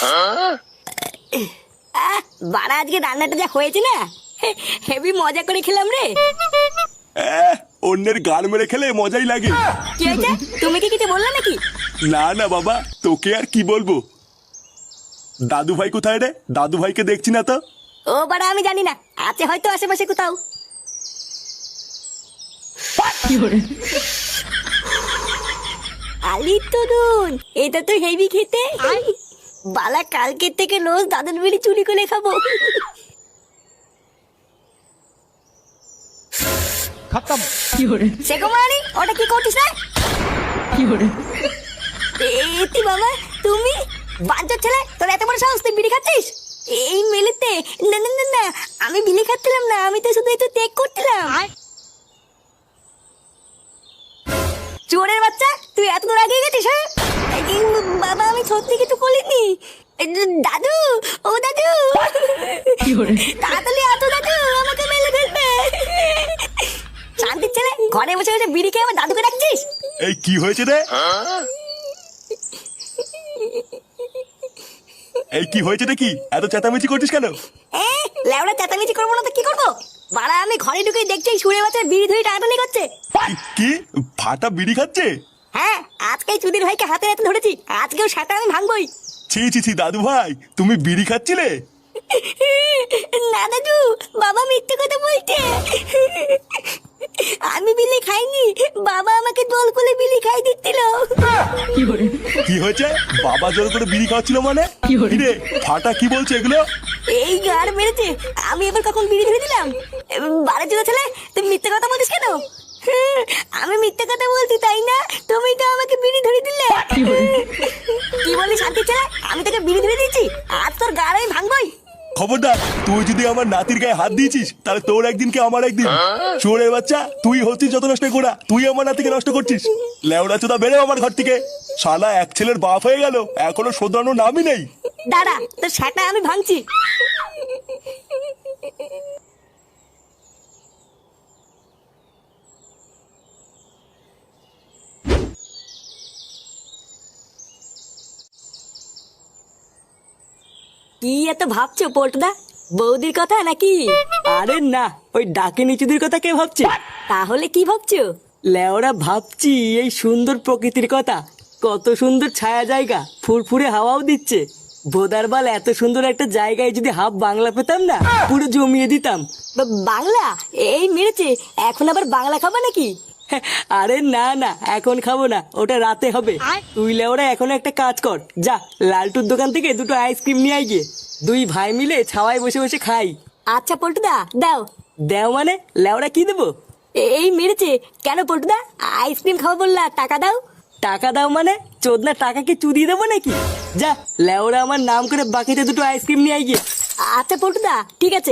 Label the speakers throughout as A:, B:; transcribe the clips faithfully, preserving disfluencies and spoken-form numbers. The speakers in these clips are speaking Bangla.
A: আহ, বাড়া আজকে রান্নাটা যা হয়েছে না, হেভি মজা করে খেলাম রে।
B: আহ, অন্যের গান মেরে খেলে মজাই লাগে।
A: কি হয়েছে, তুমি কি কিছু বললে নাকি?
B: না না বাবা, তোকে আর কি বলবো। দাদু ভাই কোথায় রে? দাদু ভাইকে দেখছি না তো।
A: ও বাড়া আমি জানি না, আছে হয়তো আশেপাশে কোথাও। আলি তরুণ, এটা তো হেভি খেতে। বালা কালকের থেকে রোজ দাদুর বিড়ি চুরি করে খাবো।
C: খতম।
A: সে কুমারী, ওটা কি করছিস রে? এতি বাবা, তুমি বাঞ্চোর ছেলে, তোর এত বড় সাহস, তুই বিড়ি খাচ্ছিস এই মেলেতে? না না না না, আমি বিড়ি খাচ্ছিলাম না, আমি তো শুধু একটু টেক করছিলাম। চোরের বাচ্চা, তুই এত দূর আগে গেছিস? হ্যাঁ এই বাবা, আমি সত্যি কিছু করিনি। এই দাদু, ও দাদু, তাড়াতাড়ি আসো দাদু, আমাকে মেলে ফেলবে। শান্তির ছেলে, ঘরে বসে বসে বিড়ি খেয়ে আমার দাদুকে ডাকছিস?
B: এই কি হয়েছে রে? এই কি হয়েছে রে? কি এত চেঁচামেচি করছিস কেন?
A: এ লেওড়া চেঁচামেচি করবো না তো কি করবো? বাড়া আমি ঘরে ঢুকে দেখছি সুরে বাচ্চা বিড়ি ধরে টানাটানি করছে।
B: কি ফাটা বিড়ি খাচ্ছে?
A: হ্যাঁ, আজকে চুদির ভাইকে হাতে হাতে ধরেছি, আজকেও সেটা আমি ভাঙবই।
B: ছি ছি ছি দাদু ভাই, তুমি বিড়ি খাচ্ছিলে?
A: না দাদু, বাবা মিথ্যে কথা বলছে। আমি বিলি খাইনি, বাবা আমাকে দোল করে বিলি খাই দিচ্ছিল।
B: কি হয়েছে? বাবা জোর করে বিড়ি খাওয়াচ্ছিল মানে? কি রে ফাটা, কি বলছে এগুলো?
A: এই গার মেরেছে, আমি এবার কখন বিড়ি ধরে দিলাম? বারে চুদা ছেলে, তুমি মিথ্যে কথা বলছিস কেন? আমি মিথ্যে কথা বলছি তাই না? তুমি তো আমাকে বিড়ি ধরে দিলে। কি বলি শান্তি ছেলে, আমি তোকে বিড়ি ধরে দিয়েছি, আজ তোর গার আমি ভাঙবই।
B: খবরদার, তুই যদি আমার নাতির গায়ে হাত দিয়েছিস তাহলে তোর একদিন কি আমার একদিন। চোরের বাচ্চা, তুই হচ্ছিস যত নষ্ট করা, তুই আমার নাতিকে নষ্ট করছিস। লেওড়া চোদা, বেরো আমার ঘর থেকে। শালা এক ছেলের বাপ হয়ে গেল, এখনো শোধরানোর নামই নেই।
A: দাঁড়া, তোর সেটা আমি ভাঙছি। কি এত ভাবছো পল্টুদা, বৌদির কথা নাকি?
D: আরে না, ওই ডাকে নিচুদের কথা কে ভাবছে?
A: তাহলে কি ভাবছো?
D: লেওরা ভাবছি এই সুন্দর প্রকৃতির কথা। কত সুন্দর ছায়া জায়গা, ফুরফুরে হাওয়াও দিচ্ছে। ভোদারবাল, এত সুন্দর একটা জায়গায় যদি হাফ বাংলা পেতাম না, পুরো জমিয়ে দিতাম।
A: বা- বাংলা? এই মেরেছে, এখন আবার বাংলা খাবা নাকি?
D: আরে না না, এখন খাবো না, ওটা রাতে হবে। তুই লেওরা এখন একটা কাজ কর, যা লালটুর দোকান থেকে দুটো আইসক্রিম নিয়ে আয় গিয়ে। দুই ভাই মিলে ছাওয়ায় বসে বসে খাই।
A: আচ্ছা পল্টুদা, দাও।
D: দেও মানে? লেওরা কি দেবো?
A: এই মেরেছে, কেন পল্টুদা? আইসক্রিম খাবো বললা, টাকা দাও।
D: টাকা দাও মানে? চোদনা টাকা কি চুদিয়ে দেবো নাকি? যা লেওরা আমার নাম করে বাকিতে দুটো আইসক্রিম নিয়ে আয় গিয়ে।
A: আচ্ছা পল্টুদা, ঠিক আছে।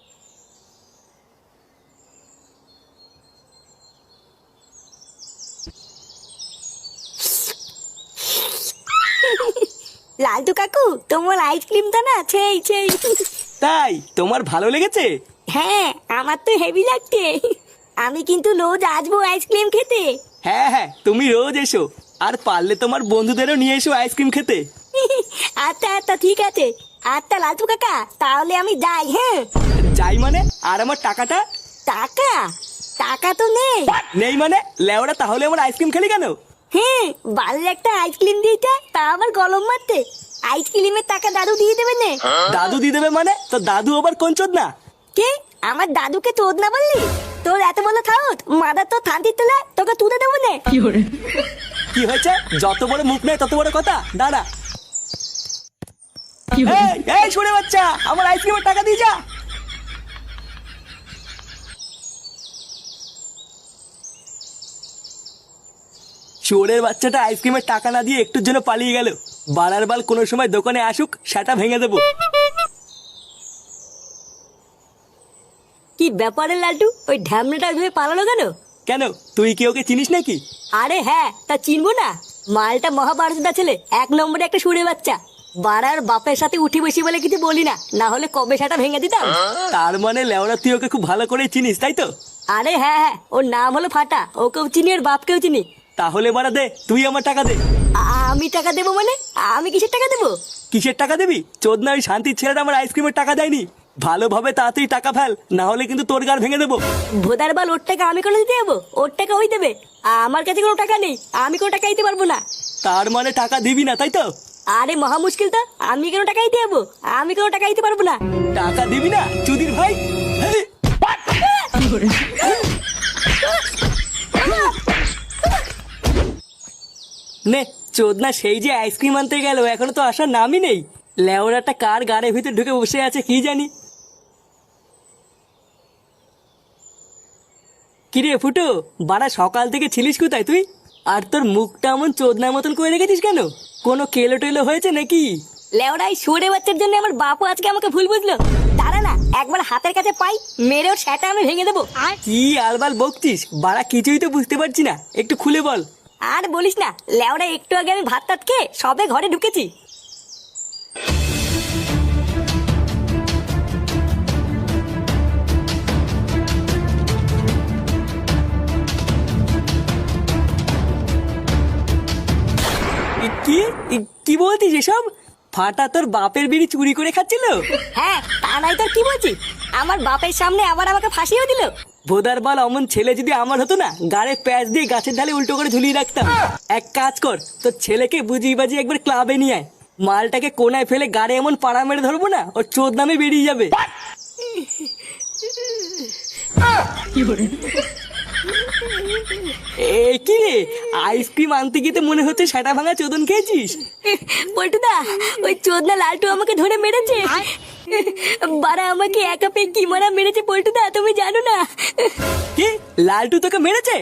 A: লালটু কাকু, তোমার আইসক্রিমটা না সেই সেই।
D: তাই তোমার ভালো লেগেছে?
A: হ্যাঁ, আমার তো হেভি লাগছে। আমি কিন্তু রোজ আসবো আইসক্রিম খেতে।
D: হ্যাঁ হ্যাঁ, তুমি রোজ এসো, আর পারলে তোমার বন্ধুদেরও নিয়ে এসো আইসক্রিম খেতে।
A: আচ্ছা আচ্ছা ঠিক আছে। আচ্ছা লালটু কাকা, তাহলে আমি যাই। হ্যাঁ
D: যাই মানে? আর আমার টাকাটা?
A: টাকা? টাকা তো নেই।
D: নেই মানে? লেওরা তাহলে আমার আইসক্রিম খেলি কেন?
A: হ্যাঁ, বাড়ির একটা আইসক্রিম দিতে, তা আবার গলম মারতে। আইসক্রিমের টাকা দাদু দিয়ে দেবে নে।
D: দাদু দিয়ে দেবে মানে? তো দাদু আবার কোন চোদনা?
A: কে? আমার দাদুকে তোদ না বললি? তোর এত বড় থাউত, মাদার তো থান্তির তোলা, তোকে তুলে দেবো নে।
D: কি হয়েছে? যত বড় মুখ নেই তত বড় কথা। দাঁড়া। এই, এই শুনে বাচ্চা, আমার আইসক্রিমের টাকা দিয়ে যা। চোরের বাচ্চাটা আইসক্রিমের টাকা না দিয়ে একটুর জন্য পালিয়ে গেল। বাড়ার বাল কোনো সময় দোকানে আসুক, সেটা ভেঙে দেবো।
A: কি ব্যাপারে লালটু, ওই ঢ্যামনাটা ভেবে পালালো কেন?
D: কেন, তুই কি ওকে চিনিস নাকি?
A: আরে হ্যাঁ, তা চিনবো না? মালটা মহাভারতদা ছেলে, এক নম্বরে একটা সুরে বাচ্চা। বাড়ার বাপের সাথে উঠি বসি বলে কিছু বলি না, না হলে কবে সেটা ভেঙে দিতাম।
D: তার মানে লেওরা তুই ওকে খুব ভালো করে চিনিস, তাই তো?
A: আরে হ্যাঁ হ্যাঁ, ওর নাম হলো ফাটা, ওকেও চিনি, ওর বাপকেও চিনি।
D: তাহলে বাড়া দে, তুই আমার টাকা দে।
A: আ- আমি টাকা দেবো মানে? আমি কিসের টাকা দেবো?
D: কিসের টাকা দিবি? চোদনা ওই শান্তির ছেলেটা আমার আইসক্রিমের টাকা দেয়নি। ভালোভাবে তাড়াতাড়ি টাকা ফেল, না হলে কিন্তু তোর গাড় ভেঙে দেবো।
A: ভোদার বাল, ওর টাকা আমি কোনো দিতে যাবো? ওর টাকা ওই দেবে, আমার কাছে কোনো টাকা নেই, আমি কোনো টাকা দিতে পারবো না।
D: তার মানে টাকা দিবি না, তাই তো?
A: আরে মহা মুশকিল তো, আমি কেন টাকা দিতে যাবো? আমি কোনো টাকা দিতে পারবো না।
D: টাকা দিবি না চুদির ভাই? হেই! নে চোদনা সেই যে আইসক্রিম আনতে গেল, এখনো তো আসার নামই নেই। লেওরাটা কার গাড়ির ভিতর ঢুকে বসে আছে কি জানি। কিরে ফুটো, বাড়া সকাল থেকে ছিলিস কোথায় তুই? আর তোর মুখটা এমন চোদনার মতন করে রেখেছিস কেন? কোনো কেলো টেলো হয়েছে নাকি?
A: লেওড়াই সরে বাচ্চার জন্য আমার বাপু আজকে আমাকে ভুল বুঝলো। দাঁড়া না, একবার হাতের কাছে পাই, মেরে ওর সেটা আমি ভেঙে দেবো।
D: কি আলবাল বকছিস বাড়া? কিছুই তো বুঝতে পারছি না, একটু খুলে বল।
A: আর বলিস না, লেওড়া একটু আগে আমি ভাত টাত খেয়ে সবে ঘরে ঢুকেছি।
D: এ- কি এ- কি বলছিস এসব? ফাটা তোর বাপের বিড়ি চুরি করে খাচ্ছিল?
A: হ্যাঁ, তা নাই তোর কি বলছি? আমার বাপের সামনে আবার আমাকে ফাঁসিও দিল।
D: ভোদার বাল, অমন ছেলে যদি আমার হতো না, গাড়ে প্যাচ দিয়ে গাছের ঢালে উল্টো করে ঝুলিয়ে রাখতাম। এক কাজ কর, তোর ছেলেকে বুঝিয়ে বাজিয়ে একবার ক্লাবে নিয়ে আয়। মালটাকে কোনায় ফেলে গাড়ে এমন পাড়া মেরে ধরবো না, ওর চোদ নামে বেরিয়ে যাবে। এ কি রে, আইসক্রিম আনতে গিয়ে তো মনে হচ্ছে সেটা ভাঙা চোদন খেয়েছিস।
A: পল্টুদা, ওই চোদনা লালটু আমাকে ধরে মেরেছে। বারা আমাকে একা পেয়ে কি মারা মেরেছে পল্টুদা, তুমি জানো না?
D: কি, লালটু তোকে মেরেছে?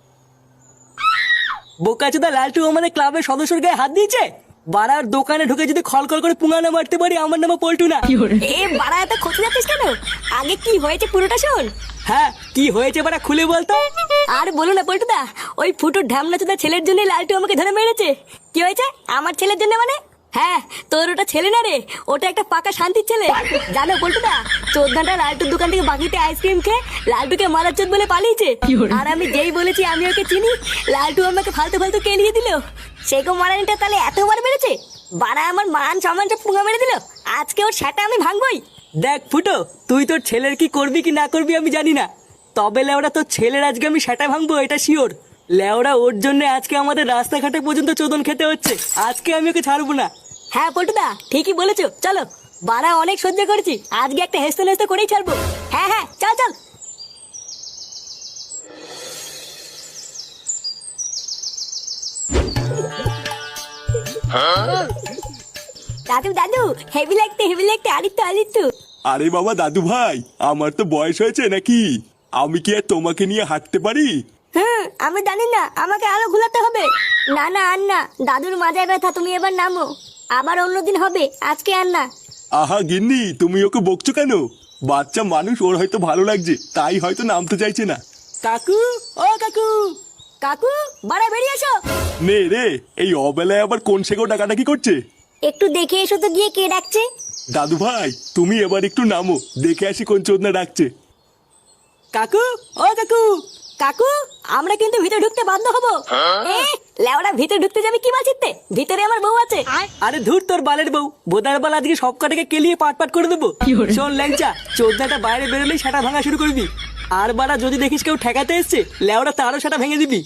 D: বোকাচোদা, লালটু আমাদের ক্লাবের সদস্যর গায়ে হাত দিয়েছে? বাড়ার দোকানে ঢুকে যদি খলখল করে পুঙ্গানো মারতে পারি, আমার নামে পল্টু না।
A: এ বারা, এত খোঁজ যাচ্ছিস কেন? আগে কি হয়েছে পুরোটা শোন।
D: হ্যাঁ, কি হয়েছে বাড়া খুলে বলতো।
A: আর বলো না পল্টুদা, ওই ফুটুর ঢামনা চোদা ছেলের জন্য লালটু আমাকে ধরে মেরেছে। কি হয়েছে আমার ছেলের জন্য মানে? হ্যাঁ, তোর ওটা ছেলে না রে, ওটা একটা পাকা শান্তির ছেলে। জানো পল্টুদা, চোদ্দাটা লালটুর দোকান থেকে বাকিতে আইসক্রিম খেয়ে লালটুকে মারার চোদ বলে পালিয়েছে। আর আমি যেই বলেছি আমি ওকে চিনি, লালটু আমাকে ফালতু ফালতু কেলিয়ে দিল। সেগো মারানিটা তাহলে এতবার মেরেছে? বাড়া আমার মান সম্মানটা পুঙ্গা মেরে দিল। আজকে ওর সেটা আমি ভাঙবই।
D: দেখ ফুটো, তুই তোর ছেলের কি করবি কি না করবি আমি জানি না, তবে লেওরা তোর ছেলের আজকে আমি সেটা ভাঙবো, এটা শিওর। লেওরা ওর জন্য আজকে আমাদের রাস্তাঘাটে পর্যন্ত চোদন খেতে হচ্ছে, আজকে আমি ওকে ছাড়বো না।
A: হ্যাঁ পল্টুদা, ঠিকই বলেছো, চলো। বাড়া অনেক সহ্য করেছি, আজকে একটা হেসতে হেসতে করেই ছাড়বো। হ্যাঁ হ্যাঁ, চল চল। দাদু দাদু, হেভি লাগতে হেভি লাগতে, আরিত্য আরিত্য।
B: আরে বাবা দাদু ভাই, আমার তো বয়স হয়েছে নাকি? আমি কি আর তোমাকে নিয়ে হাঁটতে পারি?
A: হুম, আমি জানি না, আমাকে আরো ঘুলাতে হবে। না না আর না, দাদুর মাজায় ব্যথা, তুমি এবার নামো। আবার অন্যদিন হবে, আজকে আর না।
B: আহা গিন্নি, তুমি ওকে বকছো কেন? বাচ্চা মানুষ, ওর হয়তো ভালো লাগছে, তাই হয়তো নামতে চাইছে না।
D: কাকু, ও কাকু।
A: কাকু, বাড়া বেরিয়ে এসো।
B: নে রে, এই অবেলায় আবার কোন সেগো ডাকাডাকি করছে?
A: একটু দেখে এসো তো গিয়ে কে ডাকছে।
B: দাদু ভাই, তুমি এবার একটু নামো, দেখে আসি কোন চোদনা ডাকছে।
D: কাকু, ও কাকু।
A: কাকু, আমরা কিন্তু ভিতরে ঢুকতে বাধ্য হবো। এ, লেওড়া ভিতরে ঢুকতে যাবে কি মাছিতে? ভিতরে আমার বউ আছে।
D: আরে ধুর তোর বালের বউ, বোদার বাল আজকে সব কটাকে কেলিয়ে পাট পাট করে দেবো। শোন ল্যাংচা, চোদ্দাটা বাইরে বেরোলেই সেটা ভাঙা শুরু করবি। আর বাড়া যদি দেখিস কেউ ঠেকাতে এসছে, লেওরা তারও সেটা ভেঙে দিবি।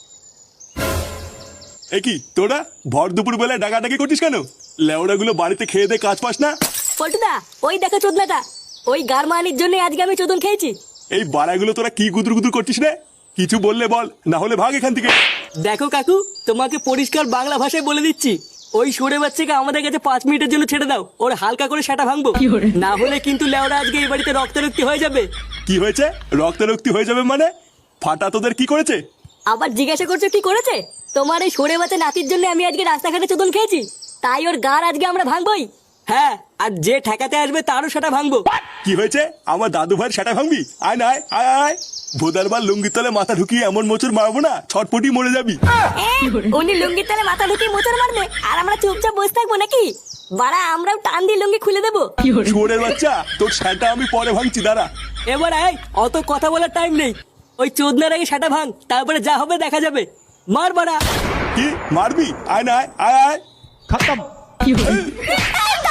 B: এ কি তোরা ভর দুপুর বেলায় ডাকাডাকি করছিস কেন? লেওড়া গুলো বাড়িতে খেয়ে দে কাজ পাস না?
A: পল্টুদা, ওই দেখো চোদনাটা, ওই গারমানির জন্য আজকে আমি চোদন খেয়েছি।
B: এই বাড়াগুলো তোরা কি গুদুর গুদুর করছিস রে? কিছু বললে বল, না হলে ভাগ এখান থেকে।
D: দেখো কাকু, তোমাকে পরিষ্কার বাংলা ভাষায় বলে দিচ্ছি, ওই সরে বাচ্চাকে আমাদের কাছে পাঁচ মিনিটের জন্য ছেড়ে দাও, ওর হালকা করে সেটা ভাঙবো। না হলে কিন্তু লেওরা আজকে এই বাড়িতে রক্তারক্তি হয়ে যাবে।
B: কি হয়েছে? রক্তারক্তি হয়ে যাবে মানে? ফাটা তোদের কি করেছে?
A: আবার জিজ্ঞাসা করছো কি করেছে? তোমার এই সরে বাচ্চা নাতির জন্য আমি আজকে রাস্তাঘাটে চোদন খেয়েছি, তাই ওর গার আজকে আমরা ভাঙবই।
D: হ্যাঁ, আর যে ঠেকাতে আসবে তারও সেটা ভাঙবো।
B: কি হয়েছে? আমার দাদু ভাইয়ের সেটা ভাঙবি? আয় না আয় আয় আয়। ভোদারবার লুঙ্গির তলে মাথা ঢুকিয়ে এমন মোচড় মারবো না, ছটপটি মরে যাবি।
A: এ, উনি লুঙ্গির তলে মাথা ঢুকিয়ে মোচড় মারবে, আর আমরা চুপচাপ বসে থাকবো নাকি? বাড়া, আমরাও টান দিয়ে লুঙ্গি খুলে দেবো।
B: শুয়োরের বাচ্চা, তোর সেটা আমি পরে ভাঙছি, দাঁড়া।
D: এবার আয়, অত কথা বলার টাইম নেই। ওই চোদনার আগে সেটা ভাঙ, তারপরে যা হবে দেখা যাবে। মার বাড়া।
B: কি মারবি? আয় না আয় আয় আয়
C: खत्म।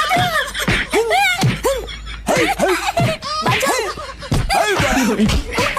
B: এই, এই, এই,